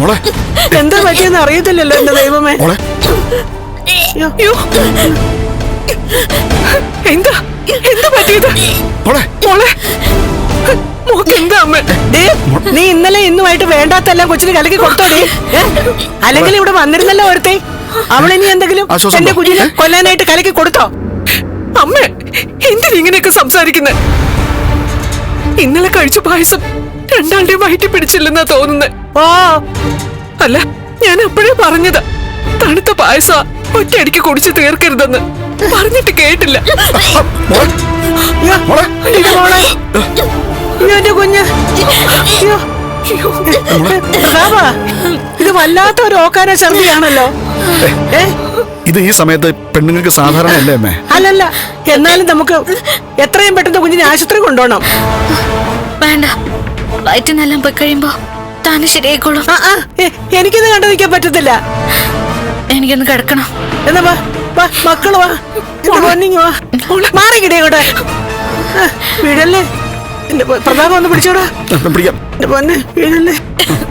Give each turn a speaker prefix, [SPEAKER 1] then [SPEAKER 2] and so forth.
[SPEAKER 1] എന്താ പറ്റിയെന്ന് അറിയത്തില്ലല്ലോ എന്റെ ദൈവമേ. എന്താ എന്താ പറ്റിയത് മോളെ? മോക്കെന്താ അമ്മ? നീ ഇന്നലെ ഇന്നുമായിട്ട് വേണ്ടാത്തെല്ലാം കൊച്ചിന് കലക്കി കൊടുത്തോടി. അല്ലെങ്കിൽ ഇവിടെ വന്നിരുന്നല്ലോ ഒരുത്തെ. അവളിനി എന്തെങ്കിലും എന്റെ കുഞ്ഞിനെ കൊല്ലാനായിട്ട് കലക്കി കൊടുത്തോ?
[SPEAKER 2] അമ്മ എന്തിനിങ്ങനെയൊക്കെ സംസാരിക്കുന്നത്? ഇന്നലെ കഴിച്ച പായസം രണ്ടാളുടെയും വയറ്റി പിടിച്ചില്ലെന്നാ തോന്നുന്നത്.
[SPEAKER 1] ഓ
[SPEAKER 2] അല്ല, ഞാൻ അപ്പോഴേ പറഞ്ഞതാ തണുത്ത പായസ ഒറ്റയടിക്ക് കുടിച്ച് തീർക്കരുതെന്ന്. പറഞ്ഞിട്ട് കേട്ടില്ല.
[SPEAKER 1] എന്റെ കുഞ്ഞ്, ഇത് വല്ലാത്ത ഒരു ഓക്കാന ഛർദിയാണല്ലോ.
[SPEAKER 3] ഇത് ഈ സമയത്ത് പെണ്ണുങ്ങൾക്ക് സാധാരണ അല്ലേ അമ്മേ?
[SPEAKER 1] അല്ലല്ല, എന്നാലും നമുക്ക് എത്രയും പെട്ടെന്ന് കുഞ്ഞിനെ ആശുപത്രി കൊണ്ടുപോകണം.
[SPEAKER 4] വേണ്ട, വയറ്റിനെല്ലാം പോയി കഴിയുമ്പോ താന് ശരിയായിക്കോളും.
[SPEAKER 1] എനിക്കിത് കണ്ടു നിൽക്കാൻ പറ്റത്തില്ല.
[SPEAKER 4] എനിക്കൊന്ന് കിടക്കണം.
[SPEAKER 1] എന്നാ വാ വാ മക്കള് വാ, പൊന്നിങ് വാ, മാറിക്കിടേ കൂടെ വീഴല്ലേ. എന്റെ പ്രതാപം ഒന്ന് പിടിച്ചോടാ.
[SPEAKER 3] പിടിക്കാം.
[SPEAKER 1] എന്റെ പൊന്നെ വീഴല്ലേ.